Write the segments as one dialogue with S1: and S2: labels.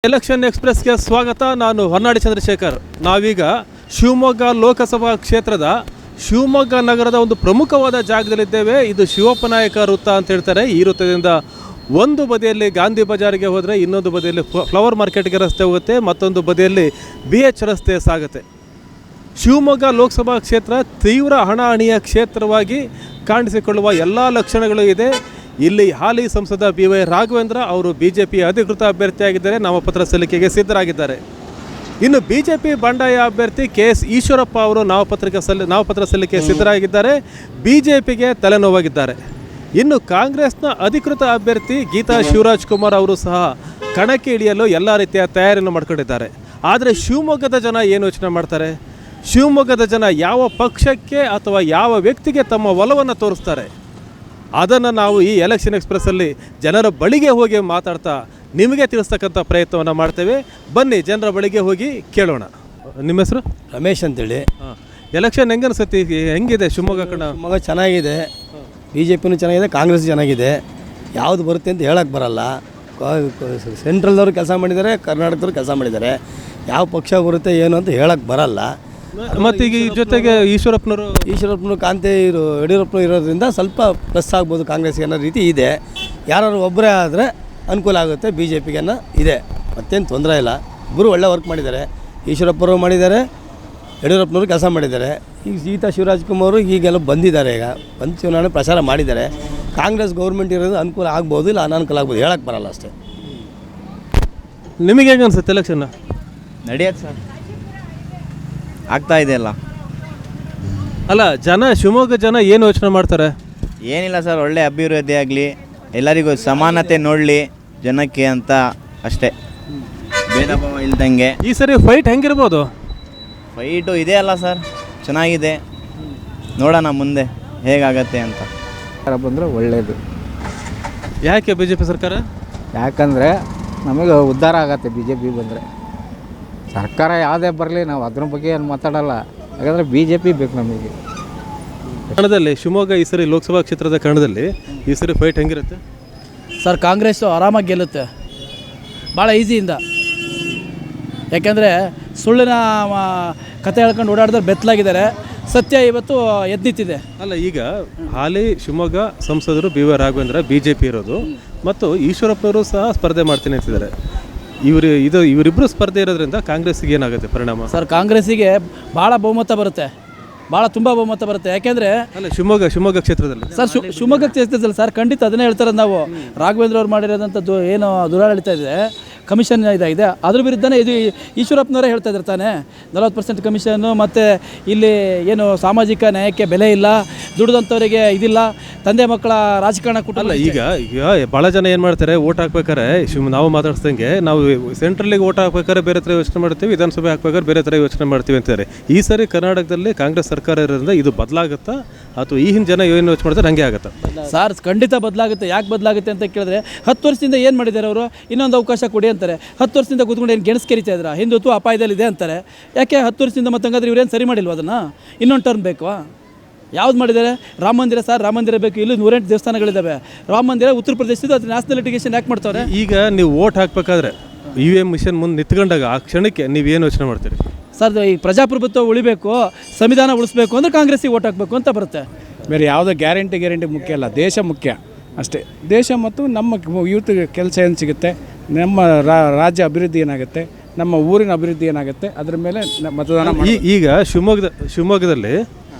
S1: Election ಎಕ್ಸ್ಪ್ರೆಸ್ಗೆ ಸ್ವಾಗತ. ನಾನು ಹೊನ್ನಾಡಿ ಚಂದ್ರಶೇಖರ್. ನಾವೀಗ ಶಿವಮೊಗ್ಗ ಲೋಕಸಭಾ ಕ್ಷೇತ್ರದ ಶಿವಮೊಗ್ಗ ನಗರದ ಒಂದು ಪ್ರಮುಖವಾದ ಜಾಗದಲ್ಲಿದ್ದೇವೆ. ಇದು ಶಿವಪ್ಪ ನಾಯಕ ವೃತ್ತ ಅಂತ ಹೇಳ್ತಾರೆ. ಈ ವೃತ್ತದಿಂದ ಒಂದು ಬದಿಯಲ್ಲಿ ಗಾಂಧಿ ಬಜಾರ್ಗೆ ಹೋದರೆ ಇನ್ನೊಂದು ಬದಿಯಲ್ಲಿ ಫ್ಲವರ್ ಮಾರ್ಕೆಟ್ಗೆ ರಸ್ತೆ ಹೋಗುತ್ತೆ, ಮತ್ತೊಂದು ಬದಿಯಲ್ಲಿ BH ರಸ್ತೆ ಸಾಗುತ್ತೆ. ಶಿವಮೊಗ್ಗ ಲೋಕಸಭಾ ಕ್ಷೇತ್ರ ತೀವ್ರ ಹಣಾಹಣಿಯ ಕ್ಷೇತ್ರವಾಗಿ ಕಾಣಿಸಿಕೊಳ್ಳುವ ಎಲ್ಲ ಲಕ್ಷಣಗಳು ಇದೆ. ಇಲ್ಲಿ ಹಾಲಿ ಸಂಸದ BY ರಾಘವೇಂದ್ರ ಅವರು BJP ಅಧಿಕೃತ ಅಭ್ಯರ್ಥಿಯಾಗಿದ್ದಾರೆ, ನಾಮಪತ್ರ ಸಲ್ಲಿಕೆಗೆ ಸಿದ್ಧರಾಗಿದ್ದಾರೆ. ಇನ್ನು BJP ಬಂಡಾಯ ಅಭ್ಯರ್ಥಿ KS ಈಶ್ವರಪ್ಪ ಅವರು ನಾಮಪತ್ರ ಸಲ್ಲಿಕೆ ಸಿದ್ಧರಾಗಿದ್ದಾರೆ, BJPಗೆ ತಲೆನೋವಾಗಿದ್ದಾರೆ. ಇನ್ನು ಕಾಂಗ್ರೆಸ್ನ ಅಧಿಕೃತ ಅಭ್ಯರ್ಥಿ ಗೀತಾ ಶಿವರಾಜ್ ಕುಮಾರ್ ಅವರು ಸಹ ಕಣಕ್ಕೆ ಇಳಿಯಲು ಎಲ್ಲ ರೀತಿಯ ತಯಾರಿಯನ್ನು ಮಾಡ್ಕೊಂಡಿದ್ದಾರೆ. ಆದರೆ ಶಿವಮೊಗ್ಗದ ಜನ ಏನು ಯೋಚನೆ ಮಾಡ್ತಾರೆ? ಶಿವಮೊಗ್ಗದ ಜನ ಯಾವ ಪಕ್ಷಕ್ಕೆ ಅಥವಾ ಯಾವ ವ್ಯಕ್ತಿಗೆ ತಮ್ಮ ಒಲವನ್ನು ತೋರಿಸ್ತಾರೆ? ಅದನ್ನು ನಾವು ಈ ಎಲೆಕ್ಷನ್ ಎಕ್ಸ್ಪ್ರೆಸ್ಸಲ್ಲಿ ಜನರ ಬಳಿಗೆ ಹೋಗಿ ಮಾತಾಡ್ತಾ ನಿಮಗೆ ತಿಳಿಸ್ತಕ್ಕಂಥ ಪ್ರಯತ್ನವನ್ನು ಮಾಡ್ತೇವೆ. ಬನ್ನಿ ಜನರ ಬಳಿಗೆ ಹೋಗಿ ಕೇಳೋಣ. ನಿಮ್ಮ ಹೆಸರು?
S2: ರಮೇಶ್ ಅಂತೇಳಿ.
S1: ಎಲೆಕ್ಷನ್ ಹೆಂಗೆ ಅನಿಸುತ್ತೆ? ಹೆಂಗಿದೆ ಶಿವಮೊಗ್ಗ ಕಣ?
S2: ಶಿವಮೊಗ್ಗ ಚೆನ್ನಾಗಿದೆ, BJPನೂ ಚೆನ್ನಾಗಿದೆ, ಕಾಂಗ್ರೆಸ್ ಚೆನ್ನಾಗಿದೆ. ಯಾವುದು ಬರುತ್ತೆ ಅಂತ ಹೇಳಕ್ಕೆ ಬರಲ್ಲ. ಸೆಂಟ್ರಲ್ದವರು ಕೆಲಸ ಮಾಡಿದ್ದಾರೆ, ಕರ್ನಾಟಕದವ್ರು ಕೆಲಸ ಮಾಡಿದ್ದಾರೆ. ಯಾವ ಪಕ್ಷ ಬರುತ್ತೆ ಏನು ಅಂತ ಹೇಳಕ್ಕೆ ಬರಲ್ಲ.
S1: ಮತ್ತು ಈಗ ಜೊತೆಗೆ ಈಶ್ವರಪ್ಪನವರು
S2: ಕಾಂತೆ ಯಡಿಯೂರಪ್ಪನವರು ಇರೋದ್ರಿಂದ ಸ್ವಲ್ಪ ಪ್ಲಸ್ ಆಗ್ಬೋದು ಕಾಂಗ್ರೆಸ್ಗೆ ಅನ್ನೋ ರೀತಿ ಇದೆ. ಯಾರು ಒಬ್ಬರೇ ಆದರೆ ಅನುಕೂಲ ಆಗುತ್ತೆ, BJPಗೆ ಅನ್ನೋ ಇದೆ. ಮತ್ತೇನು ತೊಂದರೆ ಇಲ್ಲ. ಇಬ್ಬರು ಒಳ್ಳೆ ವರ್ಕ್ ಮಾಡಿದ್ದಾರೆ. ಈಶ್ವರಪ್ಪನವರು ಮಾಡಿದ್ದಾರೆ, ಯಡಿಯೂರಪ್ಪನವರು ಕೆಲಸ ಮಾಡಿದ್ದಾರೆ. ಈಗ ಗೀತಾ ಶಿವರಾಜ್ ಕುಮಾರ್ ಈಗೆಲ್ಲ ಬಂದಿದ್ದಾರೆ, ಈಗ ಬಂದು ಚುನಾವಣೆ ಪ್ರಚಾರ ಮಾಡಿದ್ದಾರೆ. ಕಾಂಗ್ರೆಸ್ ಗೌರ್ಮೆಂಟ್ ಇರೋದು ಅನುಕೂಲ ಆಗ್ಬೋದು, ಇಲ್ಲ ಅನಾನುಕೂಲ ಆಗ್ಬೋದು, ಹೇಳಕ್ಕೆ ಬರಲ್ಲ ಅಷ್ಟೇ.
S1: ನಿಮಗೆ ಹೆಂಗೆ ಅನ್ಸುತ್ತೆ ಎಲೆಕ್ಷನ್?
S3: ನಡೆಯುತ್ತೆ ಸರ್, ಆಗ್ತಾ ಇದೆ
S1: ಅಲ್ಲ ಶಿವಮೊಗ್ಗ ಜನ ಏನು ಯೋಚನೆ ಮಾಡ್ತಾರೆ?
S3: ಏನಿಲ್ಲ ಸರ್, ಒಳ್ಳೆ ಅಭಿವೃದ್ಧಿ ಆಗಲಿ, ಎಲ್ಲರಿಗೂ ಸಮಾನತೆ ನೋಡಲಿ ಜನಕ್ಕೆ ಅಂತ ಅಷ್ಟೇ, ಭೇದ ಭಾವ ಇಲ್ದಂಗೆ.
S1: ಈ ಸರಿ ಫೈಟ್ ಹೆಂಗಿರ್ಬೋದು?
S3: ಫೈಟು ಇದೆ ಅಲ್ಲ ಸರ್, ಚೆನ್ನಾಗಿದೆ. ನೋಡೋಣ ಮುಂದೆ ಹೇಗಾಗತ್ತೆ ಅಂತ.
S4: ಬಂದರೆ ಒಳ್ಳೆಯದು.
S1: ಯಾಕೆ BJP ಸರ್ಕಾರ?
S4: ಯಾಕಂದರೆ ನಮಗೆ ಉದ್ಧಾರ ಆಗತ್ತೆ BJP ಬಂದರೆ. ಸರ್ಕಾರ ಯಾವುದೇ ಬರಲಿ ನಾವು ಅದ್ರ ಬಗ್ಗೆ ಏನು ಮಾತಾಡಲ್ಲ, ಯಾಕಂದರೆ BJP ಬೇಕು ನಮಗೆ.
S1: ಕನ್ನಡದಲ್ಲಿ ಶಿವಮೊಗ್ಗ ಈ ಸರಿ ಲೋಕಸಭಾ ಕ್ಷೇತ್ರದ ಕನ್ನಡದಲ್ಲಿ ಈ ಸರಿ ಫೈಟ್ ಹೆಂಗಿರುತ್ತೆ
S5: ಸರ್? ಕಾಂಗ್ರೆಸ್ಸು ಆರಾಮಾಗಿ ಗೆಲ್ಲುತ್ತೆ, ಭಾಳ ಈಸಿಯಿಂದ. ಯಾಕೆಂದರೆ ಸುಳ್ಳಿನ ಕತೆ ಹೇಳ್ಕೊಂಡು ಓಡಾಡಿದ್ರೆ ಬೆತ್ತಲಾಗಿದ್ದಾರೆ, ಸತ್ಯ ಇವತ್ತು ಎದ್ದಿತ್ತಿದೆ.
S1: ಅಲ್ಲ, ಈಗ ಹಾಲಿ ಶಿವಮೊಗ್ಗ ಸಂಸದರು BY ರಾಘವೇಂದ್ರ BJP ಇರೋದು, ಮತ್ತು ಈಶ್ವರಪ್ಪನವರು ಸಹ ಸ್ಪರ್ಧೆ ಮಾಡ್ತೀನಿ ಅಂತಿದ್ದಾರೆ. ಇವರಿಬ್ಬರು ಸ್ಪರ್ಧೆ ಇರೋದ್ರಿಂದ ಕಾಂಗ್ರೆಸ್ಸಿಗೆ ಏನಾಗುತ್ತೆ ಪರಿಣಾಮ?
S5: ಸರ್, ಕಾಂಗ್ರೆಸ್ಸಿಗೆ ಭಾಳ ಬಹುಮತ ಬರುತ್ತೆ, ತುಂಬ ಬಹುಮತ ಬರುತ್ತೆ. ಯಾಕೆಂದರೆ
S1: ಅಲ್ಲ, ಶಿವಮೊಗ್ಗ ಕ್ಷೇತ್ರದಲ್ಲಿ
S5: ಸರ್, ಶಿವಮೊಗ್ಗ ಕ್ಷೇತ್ರದಲ್ಲಿ ಸರ್ ಖಂಡಿತ ಅದನ್ನೇ ಹೇಳ್ತಾರೆ ನಾವು. ರಾಘವೇಂದ್ರ ಅವ್ರು ಮಾಡಿರೋದಂಥದ್ದು ಏನು ದುರಾಡಳಿತ ಇದೆ, ಕಮಿಷನ್ ಇದೆ, ಅದ್ರ ವಿರುದ್ಧನೇ ಇದು ಈಶ್ವರಪ್ಪನವರೇ ಹೇಳ್ತಾ ಇದ್ದಾರೆ ತಾನೇ. 40% ಕಮಿಷನ್ನು, ಮತ್ತು ಇಲ್ಲಿ ಏನು ಸಾಮಾಜಿಕ ನ್ಯಾಯಕ್ಕೆ ಬೆಲೆ ಇಲ್ಲ, ದುಡಿದಂಥವರಿಗೆ ಇದಿಲ್ಲ, ತಂದೆ ಮಕ್ಕಳ ರಾಜಕಾರಣ
S1: ಅಲ್ಲ. ಈಗ ಭಾಳ ಜನ ಏನು ಮಾಡ್ತಾರೆ, ಓಟ್ ಹಾಕ್ಬೇಕಾರೆ ನಾವು ಮಾತಾಡ್ಸ್ದಂಗೆ ನಾವು ಸೆಂಟ್ರಲ್ಲಿಗೆ ಓಟ್ ಹಾಕ್ಬೇಕಾದ್ರೆ ಬೇರೆ ಥರ ಯೋಚನೆ ಮಾಡ್ತೀವಿ, ವಿಧಾನಸಭೆ ಹಾಕ್ಬೇಕಾದ್ರೆ ಬೇರೆ ಥರ ಯೋಚನೆ ಮಾಡ್ತೀವಿ ಅಂತಾರೆ. ಈ ಸರಿ ಕರ್ನಾಟಕದಲ್ಲಿ ಕಾಂಗ್ರೆಸ್ ಸರ್ಕಾರ ಇರೋದ್ರಿಂದ ಇದು ಬದಲಾಗುತ್ತಾ ಅಥವಾ ಈ ಹಿಂದೆ ಜನ ಏನು ಯೋಚನೆ ಮಾಡ್ತಾರೆ ಹಂಗೆ ಆಗುತ್ತಾ?
S5: ಸರ್, ಖಂಡಿತ ಬದಲಾಗುತ್ತೆ. ಯಾಕೆ ಬದಲಾಗುತ್ತೆ ಅಂತ ಕೇಳಿದ್ರೆ, 10 ವರ್ಷದಿಂದ ಏನು ಮಾಡಿದ್ದಾರೆ ಅವರು? ಇನ್ನೊಂದು ಅವಕಾಶ ಕೊಡಿ ಅಂತಾರೆ. 10 ವರ್ಷದಿಂದ ಕೂತ್ಕೊಂಡು ಏನು ಗೆಣಸು ಕೆರಿತಾ ಇದ್ರ? ಹಿಂದುತ್ವ ಅಪಾಯದಲ್ಲಿದೆ ಅಂತಾರೆ. ಯಾಕೆ 10 ವರ್ಷದಿಂದ ಮತ್ತಂಗಾದ್ರೆ ಇವ್ರೇನು ಸರಿ ಮಾಡಿಲ್ವ? ಅದನ್ನು ಇನ್ನೊಂದು ಟರ್ಮ್ ಬೇಕವಾ? ಯಾವ್ದು ಮಾಡಿದ್ದಾರೆ? ರಾಮ ಮಂದಿರ ಸರ್, ರಾಮ ಮಂದಿರ ಬೇಕು. ಇಲ್ಲಿ 108 ದೇವಸ್ಥಾನಗಳಿದ್ದಾವೆ. ರಾಮ ಮಂದಿರ ಉತ್ತರ ಪ್ರದೇಶದ ಅದು ನ್ಯಾಷನಲ್ ಲಿಟಿಗೇಷನ್ ಯಾಕೆ ಮಾಡ್ತಾರೆ?
S1: ಈಗ ನೀವು ಓಟ್ ಹಾಕ್ಬೇಕಾದ್ರೆ EVM ಮಿಷನ್ ಮುಂದೆ ನಿಂತ್ಕೊಂಡಾಗ ಆ ಕ್ಷಣಕ್ಕೆ ನೀವೇನು ಯೋಚನೆ ಮಾಡ್ತೀರಿ?
S5: ಸರ್, ಈ ಪ್ರಜಾಪ್ರಭುತ್ವ ಉಳಿಬೇಕು, ಸಂವಿಧಾನ ಉಳಿಸ್ಬೇಕು ಅಂದರೆ ಕಾಂಗ್ರೆಸ್ಸಿಗೆ ಓಟ್ ಹಾಕಬೇಕು ಅಂತ ಬರುತ್ತೆ.
S6: ಬೇರೆ ಯಾವುದೋ ಗ್ಯಾರಂಟಿ ಮುಖ್ಯ ಅಲ್ಲ, ದೇಶ ಮುಖ್ಯ ಅಷ್ಟೇ. ದೇಶ ಮತ್ತು ನಮ್ಮ ಯೂತ್ ಕೆಲಸ ಏನು ಸಿಗುತ್ತೆ, ನಮ್ಮ ರಾಜ್ಯ ಅಭಿವೃದ್ಧಿ ಏನಾಗುತ್ತೆ, ನಮ್ಮ ಊರಿನ ಅಭಿವೃದ್ಧಿ ಏನಾಗುತ್ತೆ, ಅದರ ಮೇಲೆ ಮತದಾನ.
S1: ಈಗ ಶಿವಮೊಗ್ಗದಲ್ಲಿ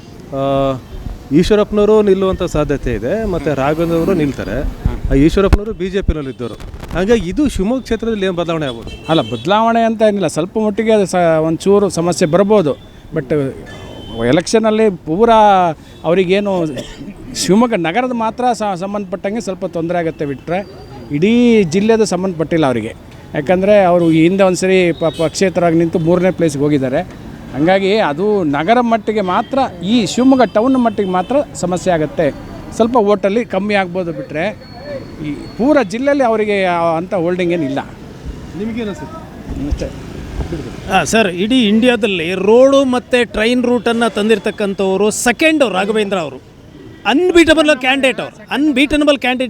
S1: ಈಶ್ವರಪ್ಪನವರು ನಿಲ್ಲುವಂಥ ಸಾಧ್ಯತೆ ಇದೆ, ಮತ್ತು ರಾಘವೇಂದ್ರ ಅವರು ನಿಲ್ತಾರೆ. ಈಶ್ವರಪ್ಪನವರು BJPನಲ್ಲಿ ಇದ್ದವರು. ಹಾಗಾಗಿ ಇದು ಶಿವಮೊಗ್ಗ ಕ್ಷೇತ್ರದಲ್ಲಿ ಏನು ಬದಲಾವಣೆ ಆಗ್ಬೋದು?
S6: ಅಲ್ಲ, ಬದಲಾವಣೆ ಅಂತ ಏನಿಲ್ಲ, ಸ್ವಲ್ಪ ಮಟ್ಟಿಗೆ ಒಂಚೂರು ಸಮಸ್ಯೆ ಬರ್ಬೋದು. ಬಟ್ ಎಲೆಕ್ಷನಲ್ಲಿ ಪೂರಾ ಅವರಿಗೇನು ಶಿವಮೊಗ್ಗ ನಗರದ ಮಾತ್ರ ಸಂಬಂಧಪಟ್ಟಂಗೆ ಸ್ವಲ್ಪ ತೊಂದರೆ ಆಗುತ್ತೆ, ಬಿಟ್ಟರೆ ಇಡೀ ಜಿಲ್ಲೆದು ಸಂಬಂಧಪಟ್ಟಿಲ್ಲ ಅವರಿಗೆ. ಯಾಕಂದರೆ ಅವರು ಹಿಂದೆ ಒಂದು ಸರಿ ಪಕ್ಷೇತರಾಗಿ ನಿಂತು 3ನೇ ಪ್ಲೇಸ್ಗೆ ಹೋಗಿದ್ದಾರೆ. ಹಾಗಾಗಿ ಅದು ನಗರ ಮಟ್ಟಿಗೆ ಮಾತ್ರ, ಈ ಶಿವಮೊಗ್ಗ ಟೌನ್ ಮಟ್ಟಿಗೆ ಮಾತ್ರ ಸಮಸ್ಯೆ ಆಗುತ್ತೆ. ಸ್ವಲ್ಪ ಓಟಲ್ಲಿ ಕಮ್ಮಿ ಆಗ್ಬೋದು, ಬಿಟ್ಟರೆ ಈ ಪೂರ ಜಿಲ್ಲೆಯಲ್ಲಿ ಅವರಿಗೆ ಅಂಥ ಹೋಲ್ಡಿಂಗ್ ಏನಿಲ್ಲ.
S1: ನಿಮಗೇನು ಅನಿಸುತ್ತೆ?
S6: ಅಷ್ಟೇ
S7: ಸರ್, ಇಡೀ ಇಂಡಿಯಾದಲ್ಲಿ ರೋಡು ಮತ್ತು ಟ್ರೈನ್ ರೂಟನ್ನು ತಂದಿರತಕ್ಕಂಥವರು ಸೆಕೆಂಡು ರಾಘವೇಂದ್ರ ಅವರು. Unbeatable candidate.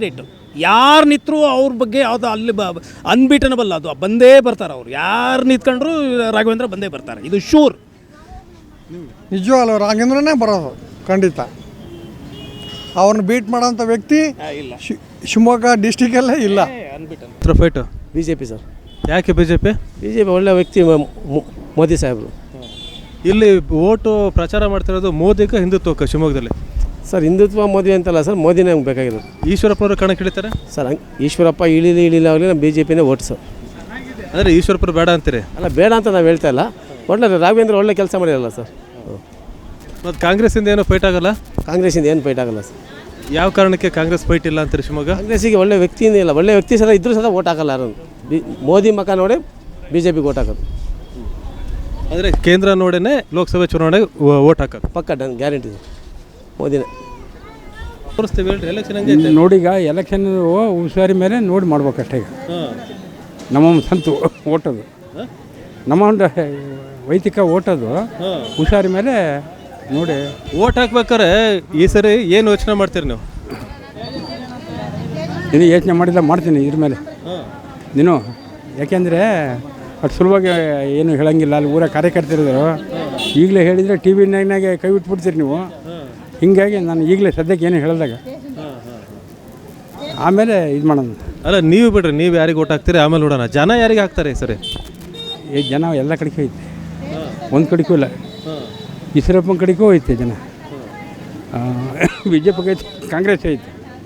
S7: ಯಾರು ನಿಂತರೂ ಅವ್ರ ಬಗ್ಗೆ ಅದು ಅಲ್ಲಿ ಅನ್ಬೀಟನಬಲ್, ಅದು ಬಂದೇ ಬರ್ತಾರೆ ಅವ್ರು. ಯಾರು ನಿಂತ್ಕೊಂಡ್ರು ರಾಘವೇಂದ್ರ ಬಂದೇ ಬರ್ತಾರೆ, ಇದು ಶೂರ್.
S8: ನಿಜವಲ್ಲ, ರಾಘವೇಂದ್ರನೇ ಬರೋದು ಖಂಡಿತ. ಅವ್ರನ್ನ ಬೀಟ್ ಮಾಡೋಂಥ ವ್ಯಕ್ತಿ
S7: ಇಲ್ಲ,
S8: ಶಿವಮೊಗ್ಗ ಡಿಸ್ಟಿಕಲ್ಲೇ ಇಲ್ಲ.
S1: Fight
S2: B J P sir.
S1: ಯಾಕೆ B J P?
S2: B J P ಒಳ್ಳೆ ವ್ಯಕ್ತಿ ಮೋದಿ ಸಾಹೇಬರು.
S1: ಇಲ್ಲಿ ಓಟು ಪ್ರಚಾರ ಮಾಡ್ತಿರೋದು ಮೋದಿಗೆ ಹಿಂದುತ್ವಕ್ಕೆ ಶಿವಮೊಗ್ಗದಲ್ಲಿ.
S2: ಸರ್ ಹಿಂದುತ್ವ ಮೋದಿ ಅಂತಲ್ಲ ಸರ್, ಮೋದಿನೇ ನಮ್ಗೆ ಬೇಕಾಗಿರೋದು.
S1: ಈಶ್ವರಪ್ಪನವರು ಕಣಕ್ಕೆ ಇಳಿತಾರೆ
S2: ಸರ್ ಈಶ್ವರಪ್ಪ ಇಳಿಲ್ಲ ಆಗಲಿ ನಮ್ಮ ಬಿ ಜೆ ಪಿನೇ ಓಟ್ ಸರ್.
S1: ಅಂದರೆ ಈಶ್ವರಪ್ಪರು ಬೇಡ ಅಂತೀರಿ?
S2: ಅಲ್ಲ, ಬೇಡ ಅಂತ ನಾವು ಹೇಳ್ತಾ ಇಲ್ಲ. ಒಳ್ಳೆ ರಾಘವೇಂದ್ರ ಒಳ್ಳೆ ಕೆಲಸ ಮಾಡಿರಲ್ಲ ಸರ್.
S1: ಮತ್ತು ಕಾಂಗ್ರೆಸ್ಸಿಂದ ಏನೋ ಫೈಟ್ ಆಗಲ್ಲ?
S2: ಕಾಂಗ್ರೆಸ್ಸಿಂದ ಏನು ಫೈಟ್ ಆಗಲ್ಲ ಸರ್.
S1: ಯಾವ ಕಾರಣಕ್ಕೆ ಕಾಂಗ್ರೆಸ್ ಫೈಟ್ ಇಲ್ಲ ಅಂತೀರಿ ಶಿವಮೊಗ್ಗ?
S2: ಕಾಂಗ್ರೆಸ್ಸಿಗೆ ಒಳ್ಳೆ ವ್ಯಕ್ತಿನೇ ಇಲ್ಲ. ಒಳ್ಳೆ ವ್ಯಕ್ತಿ ಸಹ ಇದ್ರೂ ಸಹ ಓಟ್ ಹಾಕಲ್ಲ ಯಾರು. ಮೋದಿ ಮಕ ನೋಡಿ ಬಿ ಜೆ ಪಿಗೆ ಓಟ್ ಹಾಕೋದು.
S1: ಅಂದರೆ ಕೇಂದ್ರ ನೋಡೇ ಲೋಕಸಭೆ ಚುನಾವಣೆಗೆ ಓಟ್ ಹಾಕೋದು
S2: ಪಕ್ಕ ಡನ್, ಗ್ಯಾರಂಟಿ ಮೋದಿನೇ.
S1: ತೋರಿಸ್ತೀವಿ ಹೇಳ್ರಿ, ಎಲೆಕ್ಷನ್ ಹಂಗೆ
S6: ನೋಡೀಗ ಎಲೆಕ್ಷನ್ ಹುಷಾರಿ ಮೇಲೆ ನೋಡಿ ಮಾಡ್ಬೇಕಷ್ಟೇ. ಈಗ ನಮ್ಮ ಸಂತು ಓಟೋದು, ನಮ್ಮ ಒಂದು ವೈದಿಕ ಓಟೋದು ಹುಷಾರಿ ಮೇಲೆ ನೋಡಿ
S1: ಓಟ್ ಹಾಕ್ಬೇಕಾರೆ ಈ ಸರಿ ಏನು ಯೋಚನೆ ಮಾಡ್ತೀರಿ ನೀವು?
S6: ಇದು ಯೋಚನೆ ಮಾಡಿಲ್ಲ, ಮಾಡ್ತೀನಿ ಇದ್ರ ಮೇಲೆ ನೀನು. ಯಾಕೆಂದರೆ ಅಷ್ಟು ಸುಲಭವಾಗಿ ಏನು ಹೇಳಂಗಿಲ್ಲ. ಅಲ್ಲಿ ಊರ ಕಾರ್ಯಕರ್ತರಿದ್ರು ಈಗಲೇ ಹೇಳಿದರೆ ಟಿ ವಿ ನೈನಾಗೆ ಕೈ ಬಿಟ್ಬಿಡ್ತೀರಿ ನೀವು. ಹೀಗಾಗಿ ನಾನು ಈಗಲೇ ಸದ್ಯಕ್ಕೆ ಏನು ಹೇಳಿದಾಗ ಆಮೇಲೆ ಇದು ಮಾಡೋಣ.
S1: ಅಲ್ಲ, ನೀವು ಬಿಡ್ರಿ, ನೀವು ಯಾರಿಗೆ ಓಟ್ ಹಾಕ್ತೀರಿ ಆಮೇಲೆ ನೋಡೋಣ. ಜನ ಯಾರಿಗೆ ಹಾಕ್ತಾರೆ ಈ ಸರಿ?
S6: ಈ ಜನ ಎಲ್ಲ ಕಡೆಗೂ ಐತೆ, ಒಂದು ಕಡೆಗೂ ಇಲ್ಲ. ಈಶ್ವರಪ್ಪನ ಕಡೆಗೂ ಐತೆ ಜನ. ಬಿ ಜೆ ಪಿಗೆ ಐತೆ, ಕಾಂಗ್ರೆಸ್ ಐತೆ.